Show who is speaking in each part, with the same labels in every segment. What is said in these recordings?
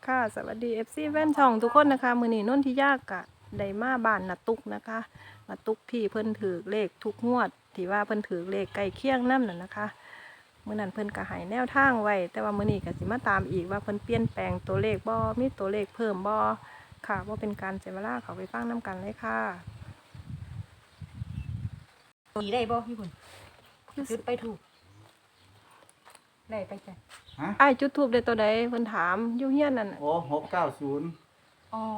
Speaker 1: ค่ะสวัสดี FC แฟนช่องทุกคนนะคะมื้อนี้นนทิยากะได้มาบ้านนาตุกนะคะนาตุกที่เพิ่นถือเลขทุกงวดที่ว่าเพิ่นถือเลขใกล้เคียงนำนั่นนะคะมื้อนั้นเพิ่นก็ให้แนวทางไว้แต่ว่ามื้อนี้ก็สิมาตามอีกว่าเพิ่นเปลี่ยนแปลงตัวเลขบ่มีตัวเลขเพิ่มบ่ค่ะบ่เป็นการเสียเวลาเข้าไปฟังนํกันเลยค่ะ
Speaker 2: ตีได้บ่พี่บุญจุดไปถูกได้ไปจ้ะ
Speaker 3: ฮะ
Speaker 1: อ้ายจุดทูปได้ตัวใดเพิ่นถามอยู่เฮียนนั่นน่ะ
Speaker 3: โอ้690
Speaker 2: อ๋อ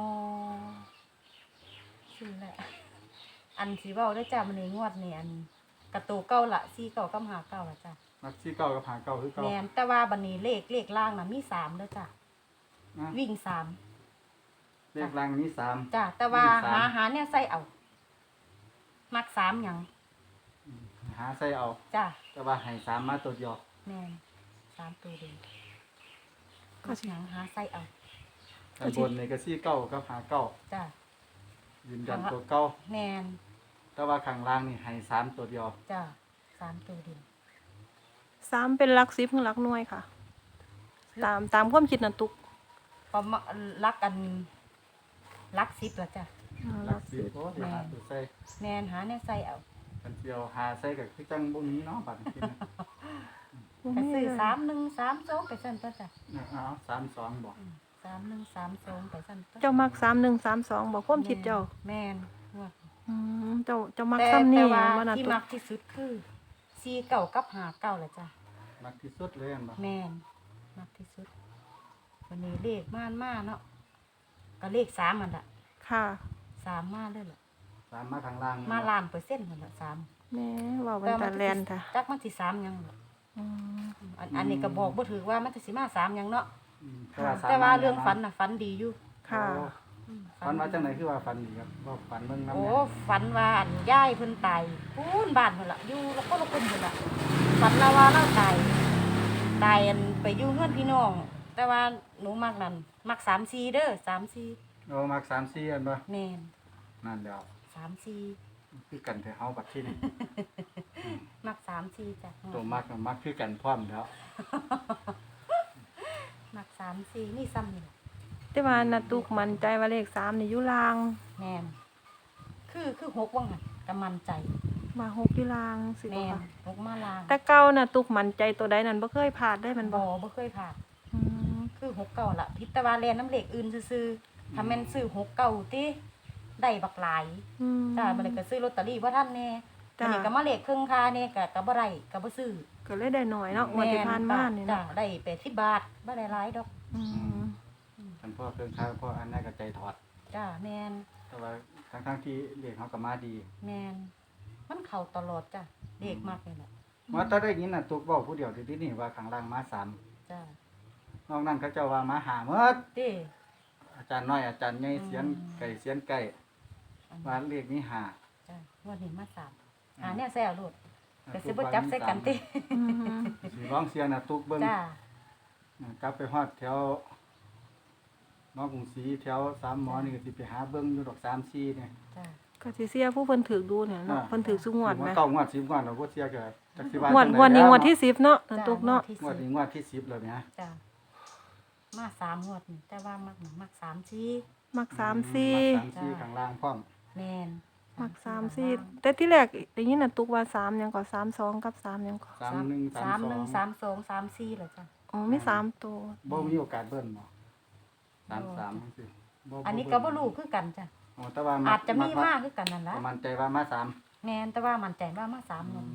Speaker 2: ชื่อแหละอันสีเว้าได้จ้ะมันในงวดนี่อันกระตูเก้าละ4เก้ากับ5เก้าละจ้ะ
Speaker 3: มักที่เก่ากับหาเก่าคือเก่า
Speaker 2: แม่นแต่ว่าบัดนี้เลขล่างน่ะมี3เด้อจ้ะ
Speaker 3: นะ
Speaker 2: วิ่ง3
Speaker 3: เลขรางนี้3
Speaker 2: จ้ะแต่ว่า
Speaker 3: วิ่งสาม
Speaker 2: หาเนี่ยใส่เอามัก3หยัง
Speaker 3: หาใส่เอา
Speaker 2: จ้ะ
Speaker 3: แต่ว่าให้3มาตัวเดียว
Speaker 2: แม่น3ตัวเดียว
Speaker 1: ก็
Speaker 2: มัก
Speaker 1: สิ
Speaker 2: หยังหาใส่เอา
Speaker 3: ข้างบนนี่ก็ที่เก่ากับหาเก่า
Speaker 2: จ้ะ
Speaker 3: ยืนยันตัวเก่า
Speaker 2: แม่น
Speaker 3: แต่ว่าข้างล่างนี่ให้3ตัวเดียว
Speaker 2: จ้ะ3ตัวเดียว
Speaker 1: 3เป็นหลัก10ถึงหลักหน่วยค่ะ ตามความคิดนาตุก
Speaker 2: ประมาณรักกันรัก10ละจ้ะ
Speaker 3: หลัก10โอ้เดี๋ยวหาตัวใส่
Speaker 2: แม่นหาเนี่ยใส่เอา
Speaker 3: กันเดียวหาใส่ก็คือจังบ่มีเนาะบัดนี้นะ
Speaker 2: ไปซื้อ3132ไปสั่นตัวจ้ะ
Speaker 3: เอา32บ่
Speaker 2: 3132ไปสั่นตัว
Speaker 1: เจ้ามัก3132บอกความคิดเจ้า
Speaker 2: แม่นงวด
Speaker 1: เจ้ามัก
Speaker 2: แต่
Speaker 1: ซ้ำนี่
Speaker 2: ว่า
Speaker 1: ว่านา
Speaker 2: ที่
Speaker 1: ตุ
Speaker 2: มั
Speaker 1: ก
Speaker 2: กที่สุดคือ49กับ59ละจ้ะ
Speaker 3: มักที่สุดเลยอันบ่
Speaker 2: แม่นมักที่สุดวันนี้เลขม่านมาเนาะก็เลข3อันล่ะ
Speaker 1: ค่ะ
Speaker 2: 3มาเลยล่ะ
Speaker 3: 3มาข้างล่าง
Speaker 2: มาล้านเปอร์เซ็นต์นั่นล่ะ3
Speaker 1: แม่ว่ามันตาแลนค่ะ
Speaker 2: จักมันสิ3หยังล่ะ
Speaker 1: อืม
Speaker 2: อันนี้ก็บอกบ่ถือว่ามันสิมา3หยังเนาะ
Speaker 3: 3
Speaker 2: แต่ว่าเรื่องฝันน่ะฝันดีอยู่
Speaker 1: ค่ะ
Speaker 3: ฝันว่าจังไหนคือว่าฝันดีครับว่าฝันเบิ่งนำ
Speaker 2: โอ้
Speaker 3: เนี่ย
Speaker 2: ฝันว่าอันย่ายเพิ่นตายพูนบ้านเพิ่นล่ะอยู่แล้วก็ละคนเพิ่นล่ะฝันละว่าเราตายอันไปอยู่เฮือนพี่น้อง แต่ว่าหนูมักนั่นมัก3-4เด้อ3-4
Speaker 3: โอ้มัก3-4อันบ่
Speaker 2: แม่น
Speaker 3: นั่นแล้ว
Speaker 2: 3-4
Speaker 3: คือกันแต่เฮาบัดที่นี่
Speaker 2: มัก3-4จ้ะ
Speaker 3: ตัวมักน่ะมักคือกันพร้อมแล้ว
Speaker 2: มัก3-4นี่ซ้ำนี่ล่ะ
Speaker 1: แต่ว่านาตุกมั่นใจว่าเลข3นี่อยู่ลาง
Speaker 2: แม่นคือ6ว่างั้นก็มั่นใจ
Speaker 1: มา6อยู่ลางสิบ่
Speaker 2: แม่น
Speaker 1: ค่ะ
Speaker 2: 6มาลาง
Speaker 1: แต่เก่านาตุกมั่นใจตัวใดนั่นบ่เคยพลาดได้มันบ่
Speaker 2: บ่เคยผ่าน
Speaker 1: อืม
Speaker 2: คือ6เก่าล่ะพิตะวาแลนน้ำเหล็กอื่นซื่อๆถ้าแม่นซื้อ6เก่าติได้บักหลาย
Speaker 1: อืม
Speaker 2: จ้าบัดนี้ก็ซื้อลอตเตอรี่บ่ทันแน่
Speaker 1: จ้ะ
Speaker 2: บัดนี้ก็มาเลขครึ่งค่าแน่ก็บ่ได้ก็บ่ซื้อ
Speaker 1: ก็เลยได้หน่อยเนาะงวดที่ผ่านมานี่
Speaker 2: จ้า
Speaker 1: เนาะ
Speaker 2: ได้80บาทบ่ได้หลายดอก
Speaker 1: อืม
Speaker 3: คันพ่อเครื่องค้างพ่ออันนั้นก็ใจถอด
Speaker 2: จ้าแม่น
Speaker 3: แต่ว่าทั้งๆที่เลขเขาก็มาดี
Speaker 2: แม่นมันเข้าตลอดจ้ะเลขมากนี่แหละ
Speaker 3: ว่าถ้าได้ยินน่ะตุกเว้าผู้เดียวที่นี่ว่าข้างล่างมา3
Speaker 2: จ้าน
Speaker 3: อกนั้นเขาเจ้าว่ามา5หมด
Speaker 2: เด้
Speaker 3: อาจารย์น้อยอาจารย์ใหญ่เสียนไก่เสียนไก่
Speaker 2: อัน
Speaker 3: ว่าเลขนี้5
Speaker 2: จ้างวดนี้มา3หาแนวแซ่โลดก็สิบ่จับใส่กันติ
Speaker 1: อืม
Speaker 3: สิร้องเสียน่ะตุกเบิ่ง
Speaker 2: จ้าก
Speaker 3: ลับไปฮอดแถวหมอกรุงศรีแถว3หมอนี่ก็สิไปหาเบิ่งอยู่ดอก3-4เนี่ย
Speaker 2: จ้า
Speaker 1: ก็สิเสียผู้เพิ่นถือดูเนี่ยเนาะเพิ่นถือสุงวดไหม
Speaker 3: เก้างวด10งวดเราบ่เสียก็จักสิว่า
Speaker 1: งวด
Speaker 3: จั
Speaker 1: งวดนี้
Speaker 3: ใ
Speaker 1: งวดที่10เนาะนาตุกเนาะ
Speaker 2: ที่
Speaker 3: งวด
Speaker 2: สิ
Speaker 3: นี้
Speaker 2: บ
Speaker 3: งวดที่10แล้วเนี่ย
Speaker 2: จ้ามา3งวดนี่แต่ว่ามัก3-4
Speaker 1: มัก3 4
Speaker 3: 3 4ข้างล่างพร้อม
Speaker 2: แม่น
Speaker 1: มัก3 4แต่ที่แรกได้ยินนาตุกว่า3หยังก็32กับ3หยังก็
Speaker 3: 31
Speaker 2: 31
Speaker 3: 32
Speaker 2: 32 34เหรอจ้ะ
Speaker 1: อ๋อมี3ตัว
Speaker 3: บ่มีโอกาสเบิ่นบ่33จังซี่
Speaker 2: อันนี้ก็บ่รู้คือกันจ้ะ
Speaker 3: อ๋อแต่ว่า
Speaker 2: อาจจะมีมากคือกันนั่นล่ะ
Speaker 3: ประมาณใจว่ามา3
Speaker 2: แม่นแต่ว่ามั่นใจว่ามา3นั่น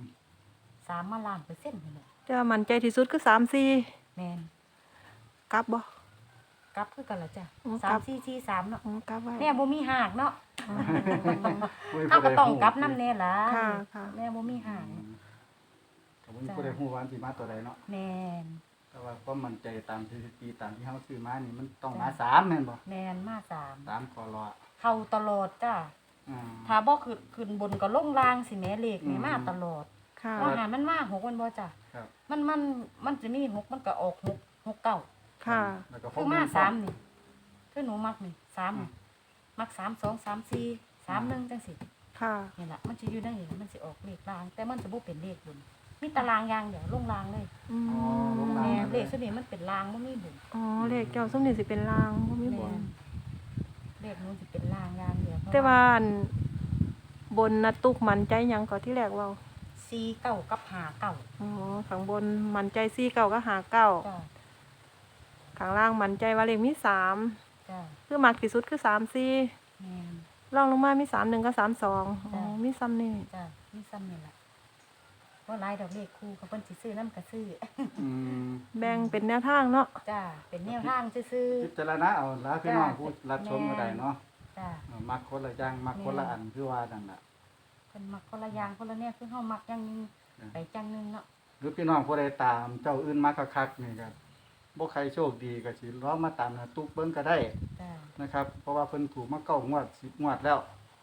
Speaker 2: 3มาล้านเปอร์เซ็นต์นี่แหละ
Speaker 1: แต่ว่ามั่นใจที่สุดคือ3 4
Speaker 2: แม่น
Speaker 1: กลับบ่
Speaker 2: กลับคือกันล่ะจ้ะ
Speaker 1: อืมกลับ
Speaker 2: 3 4 4 3เนาะ
Speaker 1: กลับไว้
Speaker 2: แม่บ่มีหากเนาะ
Speaker 3: เฮ้ย
Speaker 2: เฮาก็ต้องกลับนำแน่ล่ะ
Speaker 1: ค่ะค่ะ
Speaker 2: แม่บ่มีหาก
Speaker 3: ก็บ่มีผู้ใดฮู้ว่าสิมาตัวใดเนาะ
Speaker 2: แม่น
Speaker 3: แต่ว่าความมั่นใจตามสถิติตามที่เฮาซื้อมานี่มันต้องมา3แม่นบ่
Speaker 2: แม่นมา3
Speaker 3: 3คอรอ
Speaker 2: เข้าตลอดจ้ะ
Speaker 3: อืม
Speaker 2: ถ้าบ่ขึ้นบนก็ลงล่างสิแม่เลขนี่มาตลอด
Speaker 1: ค่ะ
Speaker 2: ว่าหามันมา6มันบ่จ้ะ
Speaker 3: ครับ
Speaker 2: มันจะมี6มันก็ออก6 6 9
Speaker 1: ค่ะ
Speaker 3: แล้วก็
Speaker 2: คือมา3นี่คือหนูมักนี่3นี่มัก3 2 3 4 3 1จังซี่
Speaker 1: ค่ะ
Speaker 2: นี่ล่ะมันสิอยู่ในนี่มันสิออกเลขล่าง แต่มันจะบ่เป็นเลขบนมีตารางอย่างเดียวลงรางเลย
Speaker 1: อืม
Speaker 3: อ๋อลงราง
Speaker 2: แม่เลขสนี้มันเป็นรางบ่มีบุญ
Speaker 1: อ๋อเลขเจ้าส้มนี่สิเป็นลางบ่มีบ
Speaker 2: แม่
Speaker 1: น
Speaker 2: เลขนู้นสิเป็นรางอย่างเดียว
Speaker 1: แต่ว่าอันบนนะตุกมันใจหยังก็ที่แรกเว่า
Speaker 2: ซีเก้ากับหาเก้า
Speaker 1: อ๋อข้างบนมันใจ4 9ก็หาเก้า
Speaker 2: จ้า
Speaker 1: ข้างล่างมันใจว่าเลขมี3
Speaker 2: จ้า
Speaker 1: คือมักที่สุดคือ3 4
Speaker 2: แม่น
Speaker 1: รองลงมามี3 1กับ3 2อ๋อ
Speaker 2: จ้ะ
Speaker 1: มีซ้ำนี่
Speaker 2: จ้ามีซ้ำนี่ล่ะบ่หลายดอกเลขคู่ก็เพิ่นสิซื้อนำก็ซื้อ
Speaker 3: อืม
Speaker 1: แบ่งเป็นแนวทางเนาะ
Speaker 2: จ้าเป็นแนวทางซื่อ
Speaker 3: พิจารณาเอาละพี่น้องผู้รับชมก็ได้เนาะ
Speaker 2: ๆจ้า
Speaker 3: มักคนละอย่างมักคนละอันคือว่านั่นน่ะ
Speaker 2: เพิ่นมักคนละอย่างคนละแนวคือเฮามักอย่างหนึงไปจังหนึงเนาะ
Speaker 3: หรือพี่น้องผู้ใดตามเจ้าอื่นมาคักๆนี่ก็บ่ใครโชคดีก็สิลองมาตามนะตุกเบิ่งก็ได้
Speaker 2: จ้า
Speaker 3: นะครับ เพราะว่าเพิ่นถูกมา9งวด10งวดแล้ว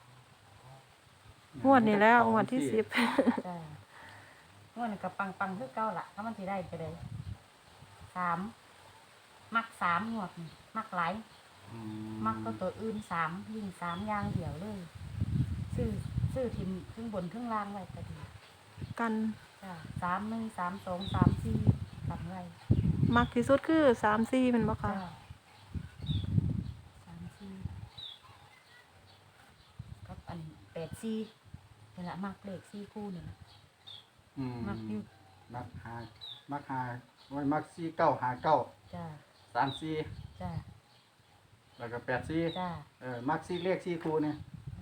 Speaker 1: งวดนี้แล้วงวดที่10
Speaker 2: จ้างวดนี้ก็ปังๆคือเก่าล่ะถ้ามันสิได้ก็ได้3มัก3งวดนี่มักหลาย
Speaker 3: อื
Speaker 2: มักตัวอื่น3ยิ่ง3อย่างเดียวเลยซื้อทิมครึ่งบนครึ่งล่างไว้ก็ดี
Speaker 1: กัน
Speaker 2: จ้า3 1 3 2 3 4ทำไว้
Speaker 1: มักที่สุดคือ3 4แมันบ่คะ
Speaker 2: จ้า3 4กับอัน8 4นี่ล่ะมักเลข4คู่นี่ล่ะ
Speaker 3: อืม
Speaker 2: มักอยู่
Speaker 3: มักหาไว้มัก4 9 5 9
Speaker 2: จ้า
Speaker 3: 3 4
Speaker 2: จ้า
Speaker 3: แล้วก็8 4
Speaker 2: จ้า
Speaker 3: มัก4เลข4คู่นี่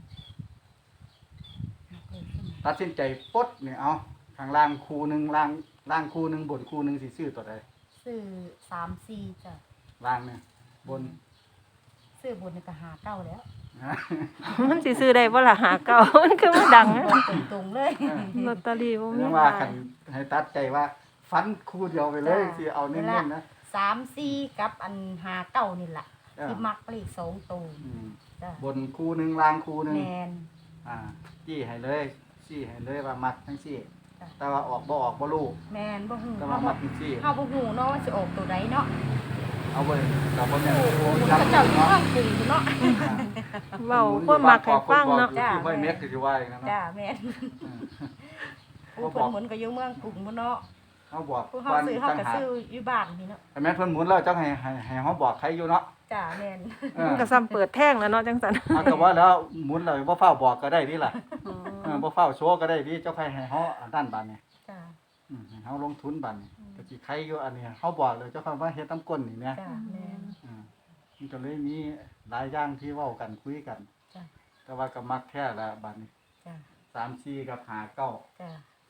Speaker 2: มักเลข4
Speaker 3: ตัดสินใจปลดนี่เอาข้างล่างคู่หนึงล่างคู่หนึงบนคู่หนึงสิซื้อตัวใด
Speaker 2: ซื้อ3 4จ้า
Speaker 3: ล่างเนี่ยบน
Speaker 2: ซื้อบนนี่ก็หาเก้าแล้ว
Speaker 1: มันสิซื้อได้บ่ล่ะหาเก้า มันคือมันดังนะ
Speaker 2: บอกตรงๆเลย
Speaker 1: ลอตเตอรี่บ่มี
Speaker 3: เรียกว่า
Speaker 1: ขา
Speaker 3: คั
Speaker 1: ย
Speaker 3: นให้ตัดใจว่าฟันคู่เดียวไปเลยสิเอาเน้นๆนะ
Speaker 2: 3 4กับอันหาเก้านี่ล่ะ
Speaker 3: เออ
Speaker 2: ที่มักเลข2ตัว
Speaker 3: อืม
Speaker 2: จ้า
Speaker 3: บนคู่หนึงล่างคู่หนึง
Speaker 2: แมน
Speaker 3: จี้ให้เลยจี้ให้เลยว่ามัดทั้งซี่
Speaker 2: จ้ะ
Speaker 3: แต่ว่าออกบ่ออกบ่รู้
Speaker 2: แมนบ่ฮู้
Speaker 3: แต่
Speaker 2: เฮา
Speaker 3: ว่า
Speaker 2: บ่
Speaker 3: มัดทั้งซี่
Speaker 2: เฮาบ่ฮู้เนาะว่าสิออกตัวใดเนาะ
Speaker 3: เอาไว้กับบ่แม่น
Speaker 2: โอ้โห
Speaker 3: โอ้
Speaker 2: มัน
Speaker 3: จับ
Speaker 2: ก็เจ้าอยู่
Speaker 3: เนาะ
Speaker 2: เมืองกรุงพุ่นเนาะ
Speaker 1: เว้าความมักให้ฟังเนาะ
Speaker 3: จ้าห้วยเม็ดก็สิว่าอย่างนั้น
Speaker 2: จ้า
Speaker 3: เนาะ
Speaker 2: แม่น
Speaker 3: เออ
Speaker 2: ผู้เพิ่นหมุนก็อยู่เมืองกรุงพุ่นเนาะ
Speaker 3: เฮาบอก
Speaker 2: ผู้เฮาซื้อเฮาก็ซื้ออยู่บ้านนี่เนาะ
Speaker 3: แต่แม่นเพิ่นหมุนแล้วจังให้เฮาบอกใครอยู่เนาะ
Speaker 2: จ้าแม่น
Speaker 3: เออ
Speaker 1: มันก็ซ้ำเปิดแท่งแล้วเนาะจังซั่น
Speaker 3: เอาก็ว่าแล้วหมุนแล้วบ่ฟ้าวบอกก็ได้นี่ล่ะ
Speaker 1: อ๋อ
Speaker 3: บ่ฟ้าวโชว์ก็ได้พี่เจ้าใครให้เฮาอันนั้นบาดนี้
Speaker 2: จ้า
Speaker 3: ให้เฮาลงทุนบาดนี้ก็สิใครอยู่อันนี้เฮาบอกเลยเจ้าคำว่าเฮ็ดน้ำก้นนี่แหม
Speaker 2: จ้าแม่น
Speaker 3: มันก็เลยมีหลายอย่างที่เว้ากันคุยกัน
Speaker 2: จ้า
Speaker 3: แต่ว่าก็มักแท้ละบาดนี้
Speaker 2: จ้า
Speaker 3: 3 4กับ5 9
Speaker 2: จ้า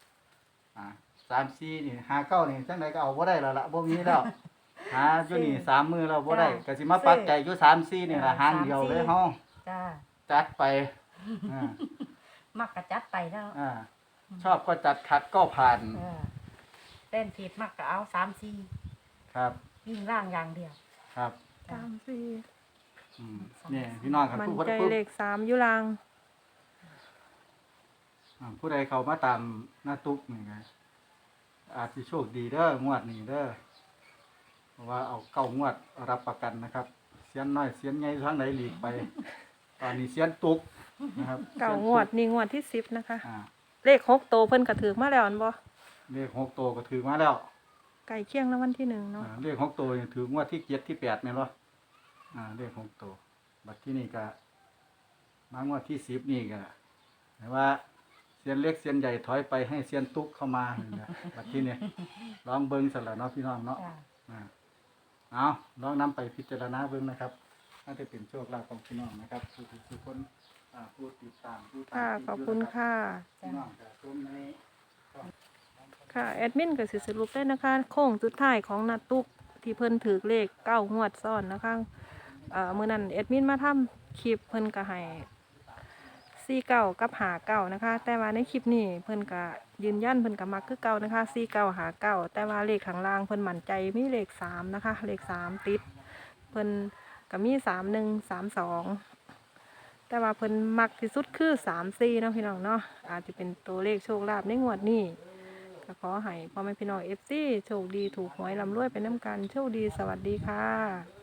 Speaker 3: 3 4นี่5 9นี่จังไดก็เอาบ่ได้แล้วล่ะบ่มีแล้วหาอยู่นี่3มื้อแล้วบ่ได้ก็สิมาปักใจอยู่3 4นี่ล่ะหางเดียวเลยเฮา
Speaker 2: จ้า
Speaker 3: จัดไปอ่า
Speaker 2: มักก็จัดไปแล้ว
Speaker 3: ชอบก็จัดขัดก็ผ่าน
Speaker 2: เต้นผิดมักก็เอา3
Speaker 3: ครับ
Speaker 2: 4วิ่งล่างอย่างเดียว
Speaker 3: ครับ
Speaker 2: จ้า
Speaker 1: 3
Speaker 3: นี่พี่น้องครับ
Speaker 1: 4มัน
Speaker 3: ผู้
Speaker 1: ใจเลข3อยู่ลาง
Speaker 3: ผู้ใดเข้ามาตามหน้าตุ๊กนี่ไงอาจสิโชคดีเด้องวดนี้เด้อเพราะว่าเอา9งวดรับประกันนะครับเสียนน้อยเสียนใหญ่ทางไหนหลีกไป ตอนนี้เสียนตุ๊กนะครับ
Speaker 1: เก้างวดนี่งวดที่10นะคะ
Speaker 3: อ่า
Speaker 1: เลข6โตวเพิ่นก็ถือมาแล้วอันบ่
Speaker 3: เลข6ตัวก็ถือมาแล้ว
Speaker 1: ไก่เคียงรางวัลที่1เนาะ
Speaker 3: เลข6ตัวนี่ถืองวดที่7ที่8แม่นบ่เลข6ตัวบัดที่นี่ก็มางวดที่10นี่ก็แต่ว่าเซียนเล็กเซียนใหญ่ถอยไปให้เซียนตุ๊กเข้ามานี่นะบัดที่นี่ลองเบิ่งซั่นล่ะเนาะพี่น้องเนาะ
Speaker 2: จ้า
Speaker 3: เอาลองนำไปพิจารณาเบิ่งนะครับน่าจะเป็นโชคลาภของพี่น้องนะครับทุกคนผู้ติดตามผู้ตาม
Speaker 1: ค่ะขอบคุณค่ะ
Speaker 3: พี่น้องจะชมใน
Speaker 1: ค่ะแอดมินก็สิสรุปได้นะคะ โค้งสุดท้ายของนาตุกที่เพิ่นถือเลข9งวดซ้อนนะคะมื้อนั้นแอดมินมาทำคลิปเพิ่นก็ให้49กับ59นะคะ แต่ว่าในคลิปนี้เพิ่นก็ยืนยันเพิ่นก็มักคือเก่านะคะ49 59แต่ว่าเลขข้างล่างเพิ่นมั่นใจมีเลข3นะคะเลข3ติดเพิ่นก็มี31 32แต่ว่าเพิ่นมักที่สุดคือ34เนาะพี่น้องเนาะอาจจะเป็นตัวเลขโชคลาภในงวดนี้ก็ขอให้พ่อแม่พี่น้อง FC โชคดีถูกหวยร่ำรวยไปน้ำกันโชคดีสวัสดีค่ะ